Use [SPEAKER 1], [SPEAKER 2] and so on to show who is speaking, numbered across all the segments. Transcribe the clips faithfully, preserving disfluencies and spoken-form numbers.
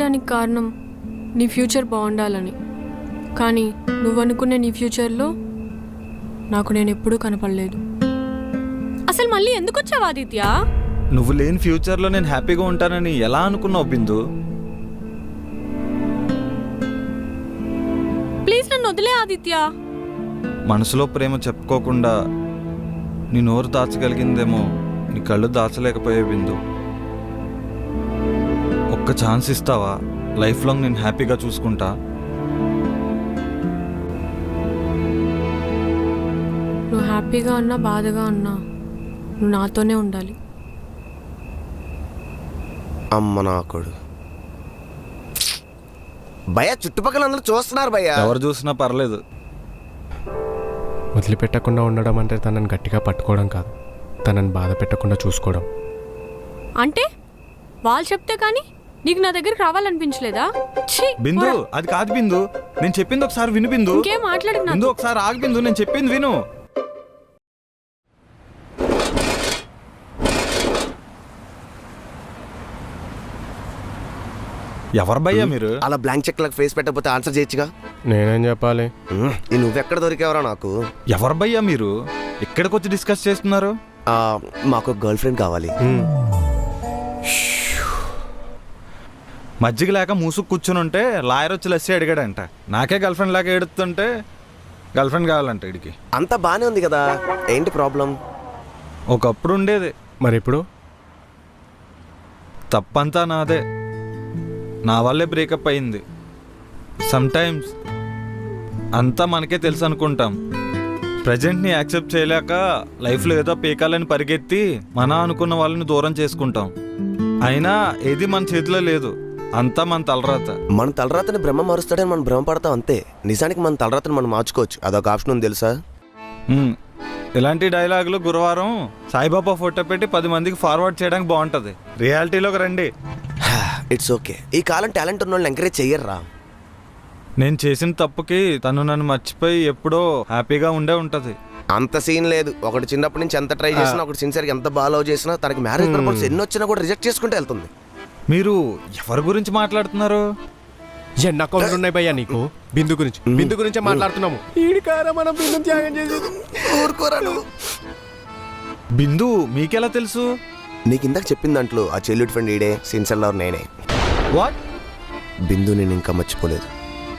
[SPEAKER 1] చేయడానికి కారణం నీ ఫ్యూచర్ బాగుండాలని. కానీ నువ్వు అనుకునే నీ ఫ్యూచర్లో నాకు నేను ఎప్పుడూ కనపడలేదు. అసలు మళ్ళీ ఎందుకు వచ్చావు ఆదిత్య?
[SPEAKER 2] నువ్వు లేని ఫ్యూచర్లో నేను హ్యాపీగా ఉంటానని ఎలా అనుకున్నావు బిందు?
[SPEAKER 1] ప్లీజ్ నన్ను వదిలే ఆదిత్య.
[SPEAKER 2] మనసులో ప్రేమ చెప్పుకోకుండా నీ నోరు దాచగలిగిందేమో నీ కళ్ళు దాచలేకపోయే బిందు. ఒక్క ఛాన్స్ ఇస్తావా? లైఫ్ లాంగ్ నేను హ్యాపీగా చూసుకుంటా.
[SPEAKER 1] నువ్వు హ్యాపీగా ఉన్నా బాధగా ఉన్నా నువ్వు నాతోనే ఉండాలి.
[SPEAKER 3] అమ్మ నాకుడు భయ్యా, చుట్టుపక్కల అందరూ చూస్తున్నారు భయ్యా.
[SPEAKER 2] ఎవరు చూసినా పర్లేదు.
[SPEAKER 4] వదిలిపెట్టకుండా ఉండడం అంటే తనని గట్టిగా పట్టుకోవడం కాదు, తనని బాధ పెట్టకుండా చూసుకోవడం.
[SPEAKER 1] అంటే వాళ్ళు చెప్తే కానీ నీకు నా దగ్గరికి రావాలనిపించలేదా? ఛీ,
[SPEAKER 2] బిందు,
[SPEAKER 1] పోరా.
[SPEAKER 2] అది కాదు బిందు. నేను చెప్పింది ఒకసారి విను బిందు.
[SPEAKER 1] ఇంకేం మాట్లాడకు నాతో.
[SPEAKER 2] బిందు, ఒకసారి ఆగు బిందు. నేను చెప్పింది విను. ఎవరు భయ్యా మీరు?
[SPEAKER 3] అలా బ్లాంక్ చెక్ లకు ఫేస్ పెట్టకపోతే ఆన్సర్ చేయొచ్చుగా.
[SPEAKER 4] నేనేం చెప్పాలి?
[SPEAKER 3] ఉమ్, ఈ నువ్వెక్కడ దొరికేవరా నాకు?
[SPEAKER 2] ఎవరు భయ్యా మీరు? ఎక్కడికి వచ్చి డిస్కస్ చేస్తున్నారు?
[SPEAKER 3] ఆ, మాకు గర్ల్ ఫ్రెండ్ కావాలి.
[SPEAKER 4] హ్మ్.
[SPEAKER 2] మజ్జిగ లేక మూసుకు కూర్చుని ఉంటే లాయర్ వచ్చి లస్సీ అడిగాడంట. నాకే గర్ల్ ఫ్రెండ్ లాగా ఏడుతుంటే గర్ల్ ఫ్రెండ్ కావాలంట ఇడికి.
[SPEAKER 3] అంతా బానే ఉంది కదా, ఏంటి ప్రాబ్లం?
[SPEAKER 2] ఒకప్పుడు ఉండేది,
[SPEAKER 4] మరి ఇప్పుడు
[SPEAKER 2] తప్పంతా నాదే. నా వల్లే బ్రేకప్ అయింది. సమ్టైమ్స్ అంతా మనకే తెలుసు అనుకుంటాం. ప్రజెంట్ని యాక్సెప్ట్ చేయలేక లైఫ్లో ఏదో పీకాలని పరిగెత్తి మన అనుకున్న వాళ్ళని దూరం చేసుకుంటాం. అయినా ఏది మన చేతిలో లేదు, అంతా మన తలరాత.
[SPEAKER 3] మన తలరాతని బ్రహ్మ మారుస్తాడని మనం భ్రమపడతాం అంతే. నిజానికి మన తలరాతని మనం మార్చుకోవచ్చు, అదొక ఆప్షన్ ఉంది తెలుసా?
[SPEAKER 2] హ్మ్. ఇలాంటి డైలాగులు గురువారం సాయిబాబా ఫోటో పెట్టి పది మందికి ఫార్వర్డ్ చేయడానికి బాగుంటుంది. రియాలిటీలోకి రండి.
[SPEAKER 3] It's okay. ఈ కాలం టాలెంట్ ఉన్న వాళ్ళని ఎంకరేజ్ చెయ్యర్రా.
[SPEAKER 2] నేను చేసిన తప్పుకి తను నన్ను మర్చిపోయి ఎప్పుడో హ్యాపీగా ఉండే ఉంటుంది.
[SPEAKER 3] అంత సీన్ లేదు. ఒకటి చిన్నప్పటి నుంచి ఎంత ట్రై చేసినా, ఒకటి సిన్సియర్గా ఎంత బాగా లవ్ చేసినా, తనకి మ్యారేజ్ ప్రపోజల్స్ ఎన్ని వచ్చినా కూడా రిజెక్ట్ చేసుకుంటూ వెళ్తుంది.
[SPEAKER 2] మీరు ఎవరి గురించి మాట్లాడుతున్నారు?
[SPEAKER 4] ఎన్ని అకౌంట్లు ఉన్నాయి భయ్యా నీకు? బిందు గురించి బిందు గురించే మాట్లాడుతున్నాము. ఈడికారా మనం బిందు త్యాగం చేసేది.
[SPEAKER 3] ఊరుకోరా నువ్వు.
[SPEAKER 2] బిందు మీకెలా తెలుసు?
[SPEAKER 3] నీకు ఇందాక చెప్పిన దాంట్లో ఆ చెల్లుడి ఫ్రెండ్ ఈడే, సిన్సియర్ లవర్ నేనే.
[SPEAKER 2] వాట్?
[SPEAKER 3] బిందు నేను ఇంకా మర్చిపోలేదు.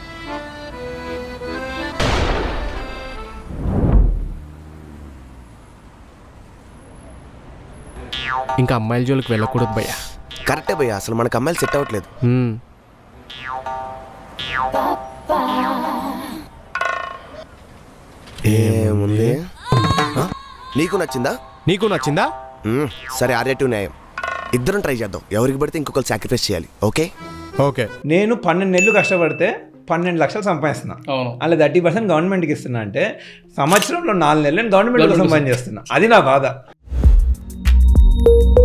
[SPEAKER 4] ఇంకా అమ్మాయిల జోలికి వెళ్ళకూడదు భయ్యా.
[SPEAKER 3] కరెక్టే భయ్యా, అసలు మనకు అమ్మాయిలు సెట్ అవ్వట్లేదు.
[SPEAKER 4] హ్మ్.
[SPEAKER 3] ఏముంది? ఆ? నీకు నచ్చిందా?
[SPEAKER 4] నీకు నచ్చిందా?
[SPEAKER 3] మ్మ్. సరే, ఆర్యటు న్యాయం. ఇద్దరం ట్రై చేద్దాం. ఎవరికి పడితే ఇంకొకరు సాక్రిఫైస్ చేయాలి. Okay
[SPEAKER 4] okay.
[SPEAKER 5] నేను పన్నెండు నెలలు కష్టపడితే పన్నెండు లక్షలు సంపాదిస్తున్నా. అలా థర్టీ పర్సెంట్ గవర్నమెంట్కి ఇస్తున్నా అంటే సంవత్సరంలో నాలుగు నెలలు నేను గవర్నమెంట్ కోసం పని చేస్తున్నా. అది నా బాధ.